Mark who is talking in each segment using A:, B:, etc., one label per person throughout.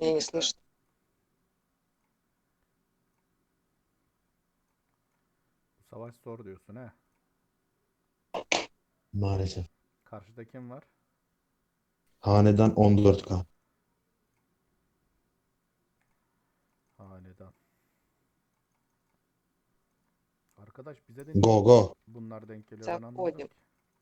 A: Я не слышу.
B: Bu savaş zor diyorsun he.
C: Maalesef.
B: Karşıda kim var?
C: Hanedan 14K.
B: Hanedan. Arkadaş bize de niye
C: Go go.
B: bunlar denk geliyor ben anlamadım
A: Заходим.
B: ki.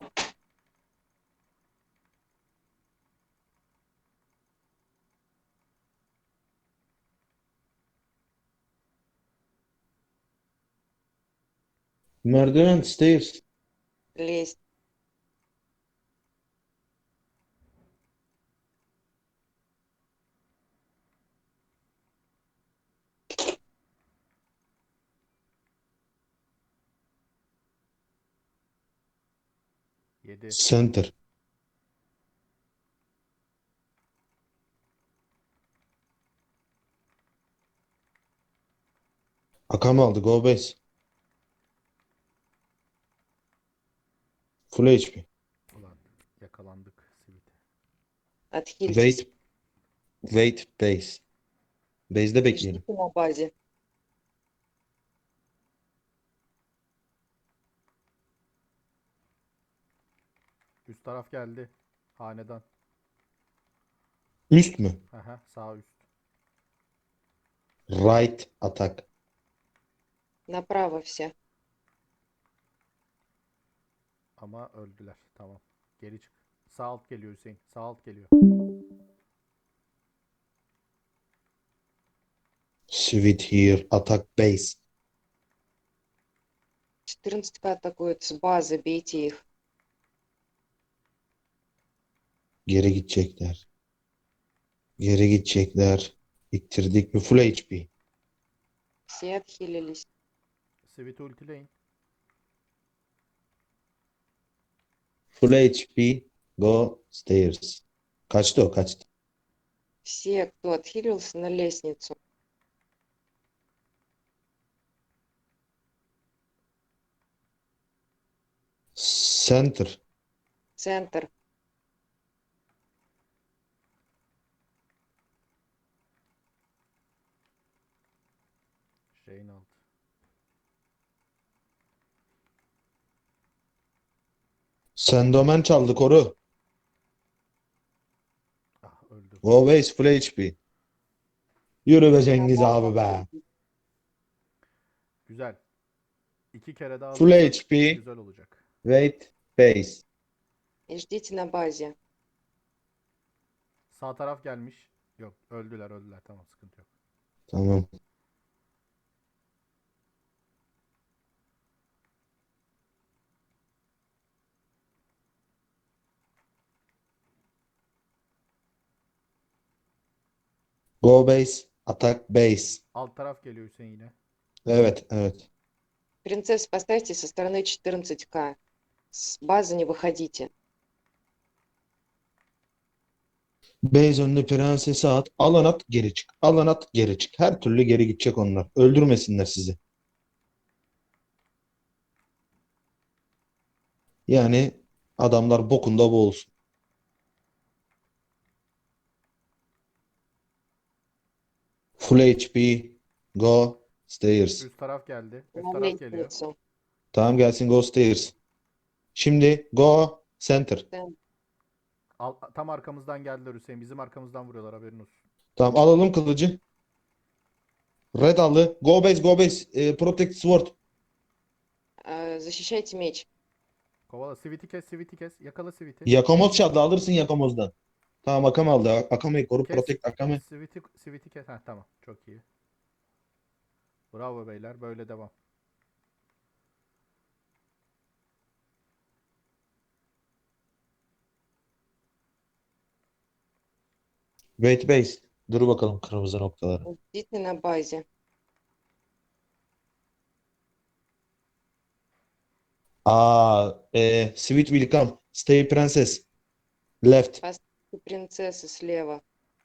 C: Merdiven stairs.
A: Лезть.
B: Yedi.
C: Center. Akam aldı. Go base. Full HP.
B: Ulan yakalandık Sivit'e.
A: Отхильтесь.
C: Wait. Wait base. Base'de
A: И
C: bekleyelim.
A: ждите на базе.
B: Üst taraf geldi. Hanedan.
C: Üst mü?
B: Aha, sağ üst.
C: Right attack.
A: Направо все.
B: Ama öldüler. Tamam. Geri çık. Sağ alt geliyor Hüseyin. Sağ alt geliyor.
C: Sweet here. Attack base.
A: 14К атакуют с базы. Бейте их.
C: Geri gidecekler. Geri gidecekler. İttirdik mi? Full HP.
A: Все отхилились.
B: Sivit ultileyin.
C: Full HP. Go stairs. Kaçtı o? Kaçtı.
A: Все, кто отхилился, на лестницу.
C: Center.
A: Центр.
B: Şeyin altı.
C: Sendomen çaldı koru.
B: Ah öldü.
C: Go base full HP. Yürü be Cengiz abi be.
B: Güzel. 2 kere daha
C: Full
B: alırsak
C: HP.
B: güzel olacak.
C: Wait base.
A: И ждите на базе.
B: Sağ taraf gelmiş. Yok öldüler. Tamam sıkıntı yok.
C: Tamam. Go base. Attack base.
B: Alt taraf geliyor Hüseyin yine.
C: Evet, evet.
A: Принцесс поставьте со стороны 14К. С базы не выходите.
C: Base önüne prensesi at. Alan at geri çık. Alan at geri çık. Her türlü geri gidecek onlar. Öldürmesinler sizi. Yani adamlar bokunda boğulsun. Full HP. Go stairs.
B: Üst taraf geldi. Üst
A: На
B: taraf geliyor.
A: лестницу.
C: Tamam gelsin go stairs. Şimdi go center.
B: Tam arkamızdan geldiler Hüseyin. Bizim arkamızdan vuruyorlar haberin olsun.
C: Tamam alalım kılıcı. Red aldı. Go base go base. Protect sword.
A: Защищайте меч.
B: Kovala. Sivit'i kes. Yakala Sivit'i.
C: Yakamoz çaldı. Alırsın Yakamoz'dan. Tamam Akam aldı. Akame'yi koru.
B: Kes.
C: Protect Akame.
B: Sivit'i kes. Heh, tamam. Çok iyi. Bravo beyler. Böyle devam.
C: Wait base. Dur bakalım kırmızı noktaları.
A: Ждите на базе.
C: Sweet will come. Stay princess. Left.
A: Принцессы слева.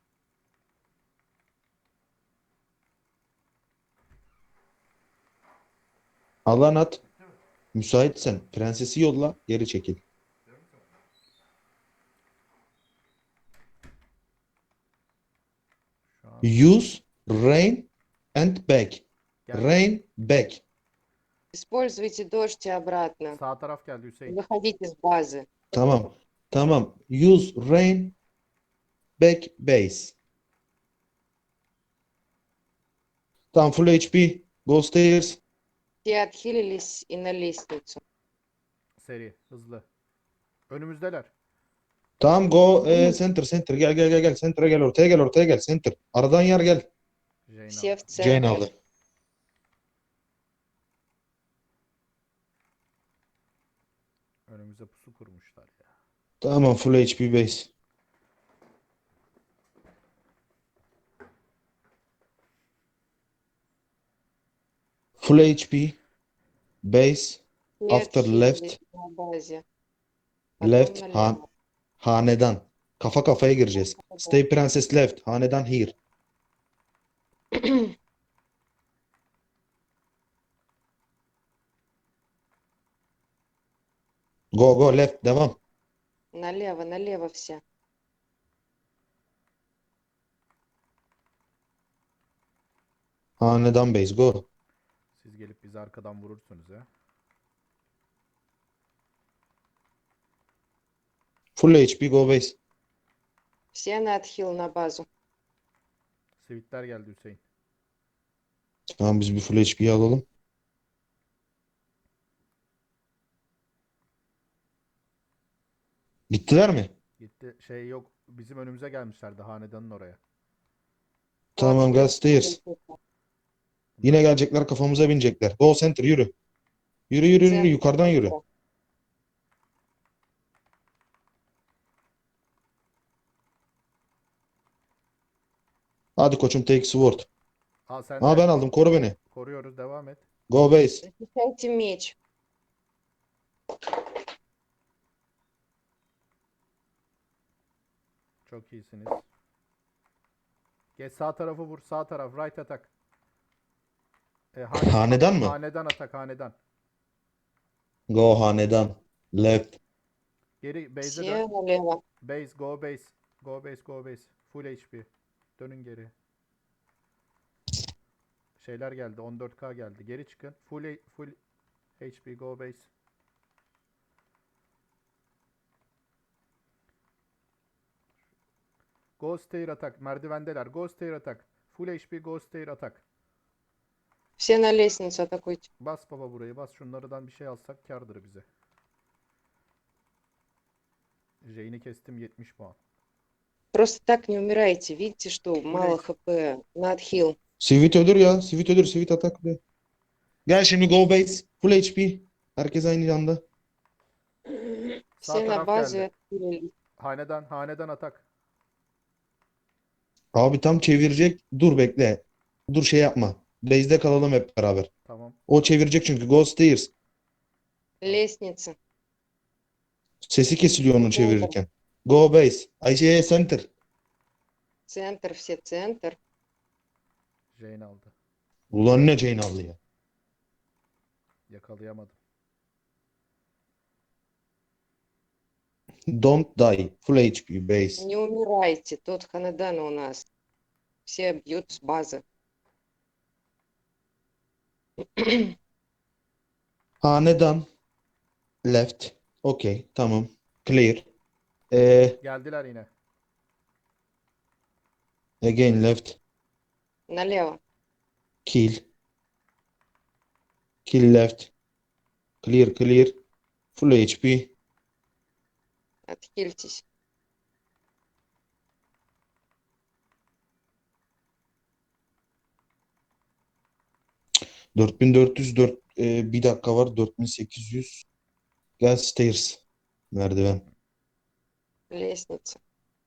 C: Alan at. Müsaitsen prensesi yolla. Geri çekil.
B: Şu Tamam.
C: Use rain and back.
B: Geldi.
C: Rain back.
A: Используйте дождь и обратно.
B: Sağ taraf geldi Hüseyin.
A: Выходите с базы.
C: Tamam. Tamam. Use rain back base. Tamam, full HP. Go stairs.
A: Все отхилились и на лестницу.
B: Seri. Hızlı. Önümüzdeler.
C: Tamam, go center. Gel. Center'a gel, ortaya gel. Center. Aradan yer gel.
B: Jane
A: Все
B: aldı.
A: в
C: Jane
A: центре.
C: aldı.
B: Önümüze pusu kurmuşlar ya.
C: Tamam, full HP base. Full HP base.
A: Все
C: After
A: отхилились
C: left.
A: на базе. Потом
C: Left.
A: налево.
C: Hanedan. Kafa kafaya gireceğiz. Stay princess left. Hanedan here. Go left. Devam.
A: Налево все.
C: Hanedan base. Go.
B: Siz gelip bizi arkadan vurursunuz ya.
C: Full HP go base.
A: Все на отхил на базу.
B: Sivitler geldi Hüseyin.
C: Tamam, biz bir full HP'yi alalım. Gittiler mi?
B: Gitti. Şey yok. Bizim önümüze gelmişlerdi hanedanın oraya.
C: Tamam, gel stairs. Yine gelecekler, kafamıza binecekler. Go center, yürü. Yürü, yukarıdan yürü. Hadi koçum, take sword.
B: Al sen
C: Ha,
B: de.
C: ben aldım, koru beni.
B: Koruyoruz. Devam et.
C: Go base.
A: Защищайте меч.
B: Çok iyisiniz. Geç sağ tarafı vur. Sağ taraf. Right atak.
C: Hanedan mı?
B: Hanedan atak. Hanedan.
C: Go hanedan. Left.
B: Geri base'e
A: Все
B: dön.
A: налево.
B: Base. Go base. Go base. Full HP. Dönün geri. Şeyler geldi. 14K geldi. Geri çıkın. Full HP. Go base. Go stair atak. Merdivendeler. Go stair atak. Full HP. Go stair atak.
A: Все на лестницу атакуйте.
B: Bas baba burayı. Bas. Şunlardan bir şey alsak kârdır bize. Jane'i kestim 70 puan.
A: Просто так не умирайте. Видите, что мало хп. На отхил.
C: Sivit ölür ya. Sivit ölür. Sivit atak be. Gel şimdi go base. Full HP. Herkes aynı anda.
B: Sağ
A: Все на
B: taraf
A: базе
B: geldi.
A: отхилились.
B: Hanedan atak.
C: Abi tam çevirecek. Dur bekle. Dur, şey yapma. Base'de kalalım hep beraber.
B: Tamam.
C: O çevirecek çünkü. Go stairs.
A: Lestница.
C: Sesi kesiliyor onu çevirirken. Go base. Ayşe center.
A: Центр, все центр.
B: Jane aldı.
C: Ulan ne Jane aldı ya.
B: Yakalayamadım.
C: Don't die. Full HP base.
A: Не умирайте. Тут Ханедана у нас. Все бьют с базы.
C: Hanedan. Left. Okay. Tamam. Clear.
B: Geldiler yine.
C: Again left.
A: Налево.
C: Kill. Kill left. Clear. Full HP.
A: Отхильтесь.
C: ...4404 bir dakika var. 4800. Gel stairs. Merdiven.
A: Лестница.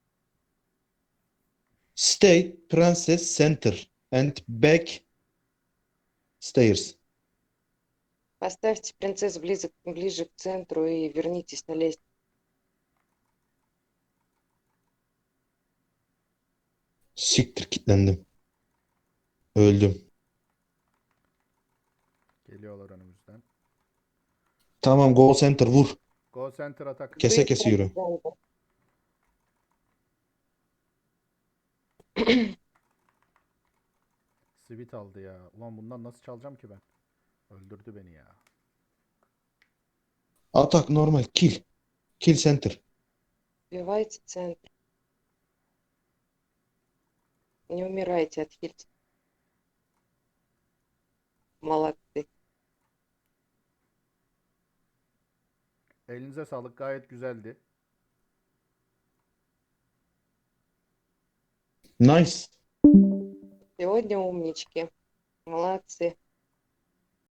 C: Stay princess center and back stairs.
A: Поставьте принцесс ближе к центру и вернитесь на лестницу.
C: Siktir, kilitlendim. Öldüm.
B: Geliyorlar önümüzden.
C: Tamam, go center vur.
B: Go center atak.
C: Kese
A: Быстро
C: kese yürü.
A: в центр.
B: Sweet aldı ya. Ulan bundan nasıl çalacağım ki ben? Öldürdü beni ya.
C: Atak normal. Kill. Kill center.
A: Убивайте центр. Не умирайте, отхильте. Молодцы.
B: Elinize sağlık, gayet güzeldi.
C: Nice.
A: Сегодня умнички. Молодцы.